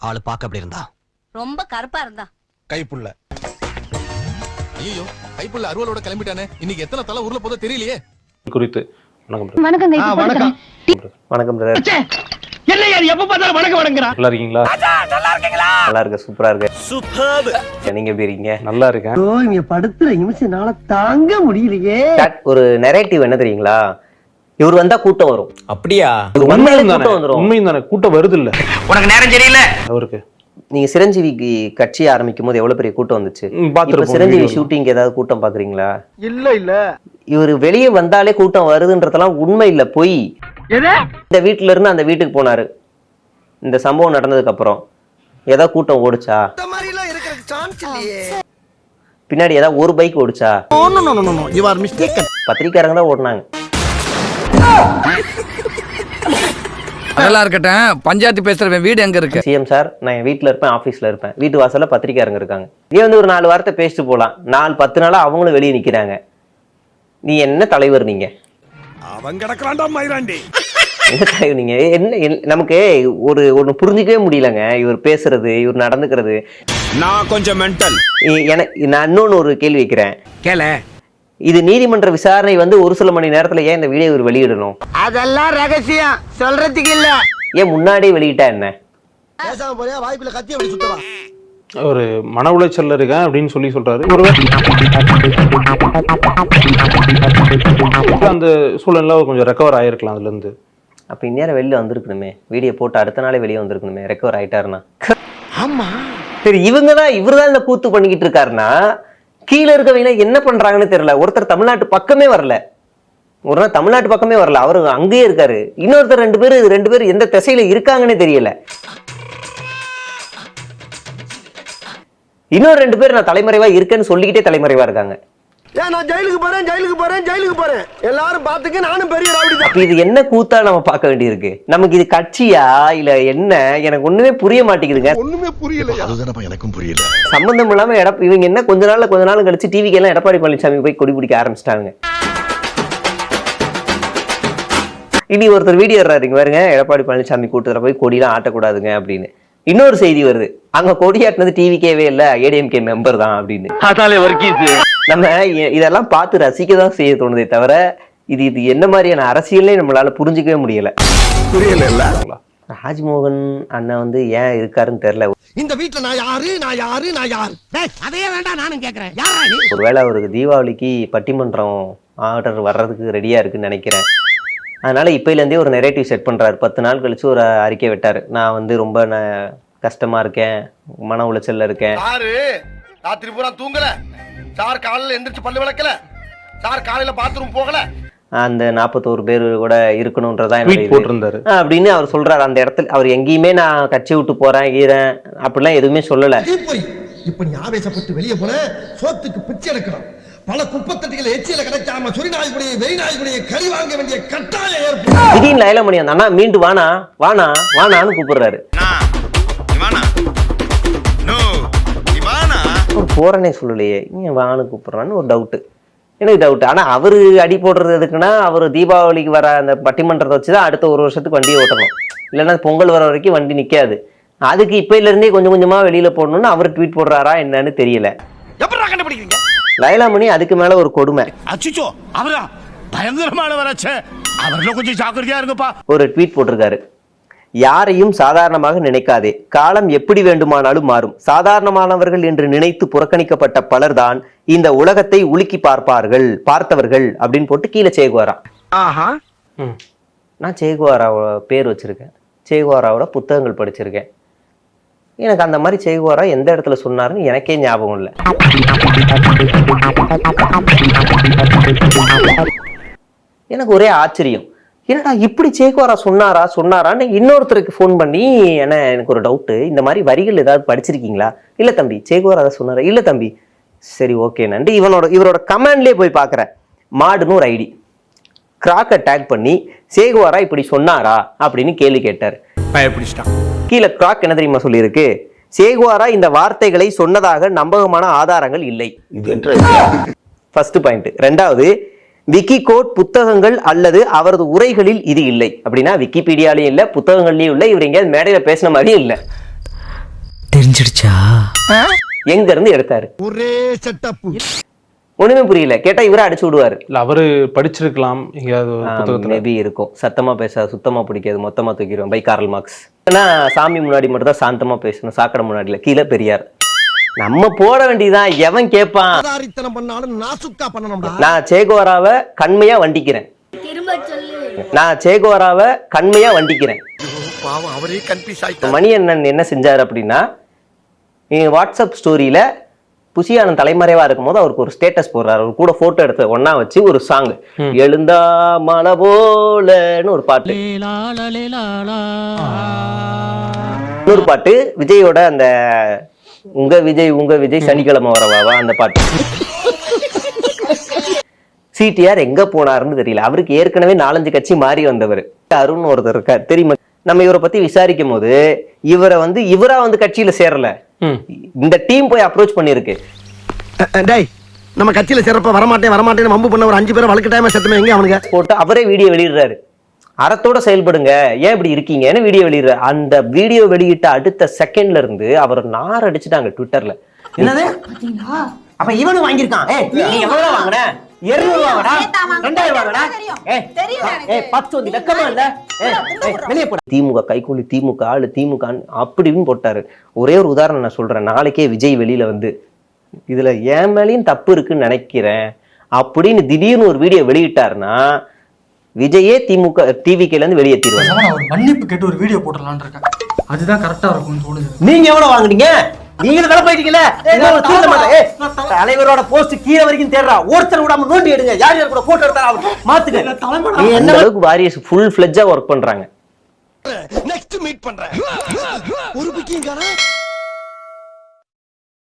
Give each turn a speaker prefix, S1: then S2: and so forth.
S1: ஆளு பாக்க அப்படி இருந்தா?
S2: ரொம்ப கருப்பா இருந்தா.
S3: கைப்புள்ள. ஐயோ, கைப்புள்ள அருவலோட கிளம்பிட்டானே. இன்னைக்கு எத்தனை தலை ஊர்ல போதோ தெரியலையே.
S4: குறித்து வணக்கம்.
S5: வணக்கம்.
S6: வணக்கம் பிரதர்.
S5: என்னையா எப்ப பார்த்தாலும் வணக்கம் வணங்குறா.
S4: நல்லா இருக்கீங்களா?
S6: நல்லா இருக்கீங்களா? நல்லா இருக்கு, சூப்பரா இருக்கு. சூப்பர். நீங்க எப்படி இருக்கீங்க?
S4: நல்லா இருக்கேன்.
S7: ஓ, இங்க படுத்துற நிமிஷம்னால தாங்க முடியலையே.
S6: ஒரு நரேட்டிவ் என்ன தெரியுங்களா? இவர் வந்தா கூட்டம் வரும்.
S1: அப்படியா?
S4: உண்மையும் தானே, கூட்டம் வருது இல்ல.
S1: உனக்கு நேரம் சரியில்லை
S4: அவருக்கு.
S6: நீங்க சிரஞ்சீவிக்கு கட்சி ஆரம்பிக்கும் போது எவ்வளவு பெரிய கூட்டம் வந்துச்சு. இப்ப சிரஞ்சீவி ஷூட்டிங் ஏதாவது கூட்டம் பாக்குறீங்களா?
S7: இல்ல
S6: இவர் வெளியே வந்தாலே கூட்டம் வருதுன்றதெல்லாம் உண்மை இல்ல, பொய். இந்த வீட்டுல இருந்து அந்த வீட்டுக்கு போனாரு. இந்த சம்பவம் நடந்ததுக்கு அப்புறம் ஏதாவது கூட்டம் ஓடுச்சா? பின்னாடி ஏதாவது ஒரு பைக் ஓடுச்சா? பத்திரிக்காரங்க தான் ஓடுனாங்க.
S1: அதெல்லாம் இருக்கட்டும், பஞ்சாயத்து பேசுற வீடு எங்க இருக்கு?
S6: சிஎம் சார், நான் என் வீட்டுல இருப்பேன், ஆபீஸ்ல இருப்பேன். வீட்டு வாசல்ல பத்திரிக்காரங்க இருக்காங்க. நீ வந்து ஒரு 4 வாரத்தை பேசிட்டு போலாம். 4-10 நாளா அவங்களும் வெளியே நிக்கிறாங்க. நீ என்ன தலைவர்? நீங்க
S3: அவன் கிடக்குறான்டா மயிராண்டி.
S6: என்ன தலைவர் நீங்க? என்ன நமக்கு ஒன்னு புரிஞ்சுக்கவே முடியலங்க. இவர் பேசுறது, இவர் நடந்துக்கிறது.
S3: நான் கொஞ்சம் மென்டல்.
S6: நான் இன்னொன்னு ஒரு கேள்வி வைக்கிறேன்.
S1: கேள.
S6: இது நீதிமன்ற விசாரணை வந்து ஒரு சில மணி நேரத்துல ஏன் இந்த வீடியோ இவர் வெளியிடணும்?
S7: அதெல்லாம் ரகசியம் சொல்றதுக்கு இல்ல.
S6: ஏன் முன்னாடியே வெளியிட்டா என்ன?
S7: பேசாம போறியா? வாய்ப்புல கத்தி அப்படி சுத்தவா?
S4: ஒரு மன உளைச்சல்ல இருக்கேன் அப்படின்னு சொல்றாரு. அந்த சூழல்ல கொஞ்சம் ரெக்கவர் ஆயிருக்கலாம் அதுல இருந்து.
S6: அப்ப இந்நேரம் வெளியில வந்திருக்கணுமே. வீடியோ போட்டு அடுத்த நாளே வெளியே வந்திருக்கணுமே, ரெக்கவர் ஆயிட்டாருன்னா.
S7: ஆமா
S6: சரி, இவர்தான் இந்த கூத்து பண்ணிக்கிட்டு இருக்காருன்னா கீழே இருக்கவங்க என்ன பண்றாங்கன்னு தெரியல. ஒருத்தர் தமிழ்நாட்டு பக்கமே வரல, ஒரு நாள் தமிழ்நாட்டு பக்கமே வரல, அவரு அங்கேயே இருக்காரு. இன்னொருத்தர் ரெண்டு பேர் எந்த திசையில இருக்காங்கன்னு தெரியல. இன்னொரு 2 பேர் நான் தலைமறைவா இருக்கேன்னு சொல்லிக்கிட்டே தலைமறைவா இருக்காங்க.
S7: நான் ஜெயிலுக்கு போறேன் எல்லாரும் பாத்துக்க, நானும் பெரிய ரவுடி தான்.
S6: அப்ப இது என்ன கூத்தா நம்ம பார்க்க வேண்டியிருக்கு? நமக்கு இது கட்சியா இல்ல என்ன? எனக்கு ஒண்ணுமே புரிய மாட்டேங்குதுங்க.
S3: ஒண்ணுமே புரியல.
S8: அதுதானப்பா எனக்கும் புரியல.
S6: சம்பந்தம் இல்லாம இவங்க என்ன கொஞ்ச நாள் கழிச்சு டிவிக்கு எல்லாம் எடப்பாடி பழனிசாமி போய் கொடி பிடிக்க ஆரம்பிச்சிட்டாங்க. இனி ஒருத்தர் வீடியோ எடுறாருங்க பாருங்க, எடப்பாடி பழனிசாமி கூட்டத்துல போய் கொடியெல்லாம் ஆட்டக்கூடாதுங்க அப்படின்னு. இன்னொரு செய்தி வருது, அங்க கொடியாட்டினது டிவிக்கேவே இல்ல, ஏடிஎம்கே மெம்பர் தான் அப்படின்னு. நம்ம இதெல்லாம் பார்த்து ரசிக்க தான் செய்ய தோணுதே தவிர இது என்ன மாதிரியான அரசியலே நம்மளால புரிஞ்சுக்கவே முடியல. ராஜ்மோகன் அண்ணன் வந்து ஏன் இருக்காருன்னு தெரியல.
S7: இந்த வீட்டுல நான் யாரு? அதையே வேண்டாம், நானும் கேக்குறேன்.
S6: ஒருவேளை அவருக்கு தீபாவளிக்கு பட்டிமன்றம் ஆர்டர் வர்றதுக்கு ரெடியா இருக்குன்னு நினைக்கிறேன். அதனால இப்பையில இருந்தே ஒரு நெரேட்டிவ் செட் பண்றாரு. 10 நாள் கழிச்சு ஒரு அறிக்கை விட்டாரு. நான் வந்து ரொம்ப கஷ்டமா இருக்கேன், மன உளைச்சல்ல இருக்கேன்.
S8: ராத்திரி பூரா தூங்கல சார், காலையில எந்திரிச்சு பல்லு விளக்கல சார், காலையில பாத்ரூம் போகல.
S6: அந்த 41 பேர் கூட இருக்கணும்ன்றதா
S4: போட்டிருந்தாரு
S6: அப்படின்னு அவர் சொல்றாரு. அந்த இடத்துல அவர் எங்கேயுமே நான் கட்சி விட்டு போறேன் ஈரன் அப்படிலாம் எதுவுமே சொல்லல.
S7: இப்ப நீ ஆவேசப்பட்டு வெளியே போன சோத்துக்கு பிச்சை எடுக்கணும். பல குப்பத்தட்டிகள் எச்சியில கிடைக்காம சொறி நாய்படியை வெறி நாய்படியை கறி வாங்க வேண்டிய கட்டாயம் ஏற்படும்.
S6: திடீர்னு லைலமணி அந்த அண்ணா மீண்டு வானான்னு கூப்பிடுறாரு. ஒரு போறனே சொல்லலையே, ஏன் வானு கூப்பிடுறான்னு ஒரு எனக்கு டவுட். ஆனா அவரு அடி போடுறது எதுக்குன்னா, அவரு தீபாவளிக்கு வர அந்த பட்டிமன்றத்தை வச்சுதான் அடுத்த 1 வருஷத்துக்கு வண்டியை ஓட்டணும். இல்லைன்னா பொங்கல் வர வரைக்கும் வண்டி நிக்காது. அதுக்கு இப்பையில இருந்தே கொஞ்சம் கொஞ்சமா வெளியில போடணும்னு அவர் ட்வீட் போடுறாரா என்னன்னு தெரியல. லைலாமணி அதுக்கு மேல ஒரு கொடுமை.
S8: அச்சோ, அவரா பயங்கரமானவராச்சே, அவர்ல கொஞ்சம் ஜாக்கிரதையா இருங்கப்பா.
S6: ஒரு ட்வீட் போட்டிருக்காரு. யாரையும் சாதாரணமாக நினைக்காதே, காலம் எப்படி வேண்டுமானாலும் மாறும். சாதாரணமானவர்கள் என்று நினைத்து புறக்கணிக்கப்பட்ட பலர்தான் இந்த உலகத்தை உலுக்கி பார்த்தவர்கள் அப்படின்னு போட்டு கீழே சேகுவாரா. நான் சேகுவாராவோட பேர் வச்சிருக்கேன், சேகுவாராவோட புத்தகங்கள் படிச்சிருக்கேன். எனக்கு அந்த மாதிரி சேகுவாரா எந்த இடத்துல சொன்னாருன்னு எனக்கே ஞாபகம் இல்லை. எனக்கு ஒரே ஆச்சரியம், என்னடா இப்படி சேகுவாரா சொன்னாரான்னு இன்னொருத்தருக்கு ஃபோன் பண்ணி எனக்கு ஒரு டவுட்டு, இந்த மாதிரி வரிகள் ஏதாவது படிச்சிருக்கீங்களா? இல்ல தம்பி சேகுவாரா அதை சொன்னாரா? இல்ல தம்பி. சரி ஓகே நன்றி. இவரோட கமெண்ட்லேயே போய் பார்க்குறேன். மாடுன்னு ஒரு ஐடி கிராக்கை டேக் பண்ணி சேகுவாரா இப்படி சொன்னாரா அப்படின்னு கேள்வி கேட்டார். கீழே கிராக் என்ன தெரியுமா சொல்லியிருக்கு? சேகுவாரா இந்த வார்த்தைகளை சொன்னதாக நம்பகமான ஆதாரங்கள் இல்லை. First point. 2வது, விக்கி கோட் புத்தகங்கள் அல்லது அவரது உரைகளில் இது இல்லை. அப்படின்னா விக்கிபீடியாலையும் இல்லை, புத்தகங்கள்லயும் இல்லை, இவர் எங்கேயாவது மேடையில பேசின மாதிரியும் இல்லை.
S2: தெரிஞ்சிடுச்சா?
S6: எங்க இருந்து எடுத்தாரு?
S7: ஒரே செட்டப்.
S6: ஒண்ணுமே புரியல. கேட்டா இவரை அடிச்சு விடுவாரு.
S4: இல்ல அவரு படிச்சிருக்கலாம் எங்கேயாவது ஒரு புத்தகத்துல.
S6: மேபி இருக்கும். சத்தமா பேச சுத்தமா பிடிக்காது, மொத்தமா தூக்கிடுவேன். By Karl Marx. ஏன்னா சாமி முன்னாடி மட்டும் தான் சாந்தமா பேசணும், சாக்கடை முன்னாடில. கீழே பெரியார். நம்ம போட வேண்டியதான். எவன் கேட்பான்?
S7: ஆதாரித்தனம் பண்ணாலும் நாசுக்கா பண்ணணும்டா.
S6: நான் சேகோராவை கண்மையா வண்டிக்கிறேன். நான் சேகோராவை கண்மையா வண்டிக்கிறேன்.
S8: பாவம் அவரே கன்ஃபியூஸ் ஆயிட்டாரு.
S6: மணியண்ணன் என்ன செஞ்சாரு அப்படின்னா, வாட்ஸ்அப் ஸ்டோரியில புசியானன் தலைமறைவா இருக்கும் போது அவருக்கு ஒரு ஸ்டேட்டஸ் போடுறாரு. அவர் கூட போட்டோ எடுத்து ஒன்னா வச்சு ஒரு சாங், எழுந்தா மலை போலன்னு ஒரு பாட்டு. இன்னொரு பாட்டு விஜயோட அந்த உங்க விஜய் சனிக்கிழமை வரவாவா அந்த பாட்டு. சிடிஆர் எங்க போனாருன்னு தெரியல. அவருக்கு ஏற்கனவே 4-5 கட்சி மாறி வந்தவர். அருண் ஒருத்தர் இருக்கார் தெரியுமா? நம்ம இவரை பத்தி விசாரிக்கும் போது இவரை இவரா கட்சியில சேரல, இந்த டீம் போய் அப்ரோச் பண்ணிருக்கு.
S7: டேய், நம்ம கட்சியில சேரப்ப வரமாட்டேன்னு வம்பு பண்ண ஒரு 5 பேரை வளர்க்கட்டாம செத்துமே எங்க அவனுங்க
S6: போட்டு அவரே வீடியோ வெளியிடுறாரு. அறத்தோட செயல்படுங்க, ஏன் இப்படி இருக்கீங்கன்னு வீடியோ வெளியிடுறாரு. அந்த வீடியோ வெளியிட்ட அடுத்த செகண்ட்ல இருந்து அவர் நார் அடிச்சுட்டாங்க ட்விட்டர்ல.
S9: என்னது பாத்தீங்களா? அப்ப இவனும் வாங்கியிருக்கான்.
S6: நீ எவ்வளவு வாங்குன? 200 வாங்குடா, 2000 வாங்குடா. 10 வந்து வெக்கமா இல்ல? வெளியே போட. திமுக கைக்கூலி, திமுக ஆளு, திமுக அப்படின்னு போட்டாரு. ஒரே ஒரு உதாரணம் நான் சொல்றேன். நாளைக்கே விஜய் வெளியில இதுல என் மேலேயும் தப்பு இருக்குன்னு நினைக்கிறேன் அப்படின்னு திடீர்னு ஒரு வீடியோ வெளியிட்டாருன்னா விஜயே திமுக டிவிகேல இருந்து வெளியேற்றிடுவாங்க.
S2: ஒரு மன்னிப்பு கேட்டு ஒரு வீடியோ போட்டுடலான்னு இருக்கேன். அதுதான் கரெக்டா இருக்கும்னு தோணுது.
S6: நீங்க எவ்வளவு வாங்குனீங்க? நீங்களும் வேலை போயிட்டீங்கல்ல. தலைவரோட போஸ்ட் கீழே வரைக்கும் தேடுறா. ஒருத்தர் விடாம நோண்டி எடுங்க. யார் யார் கூட போட்டோ எடுத்தா மாத்துங்க. என்ன அளவுக்கு வாரியஸ் ஃபுல் ஃபிளெட்ஜா ஒர்க் பண்றாங்க.
S7: நெக்ஸ்ட் மீட் பண்றேன். ஒரு பிக்கிங்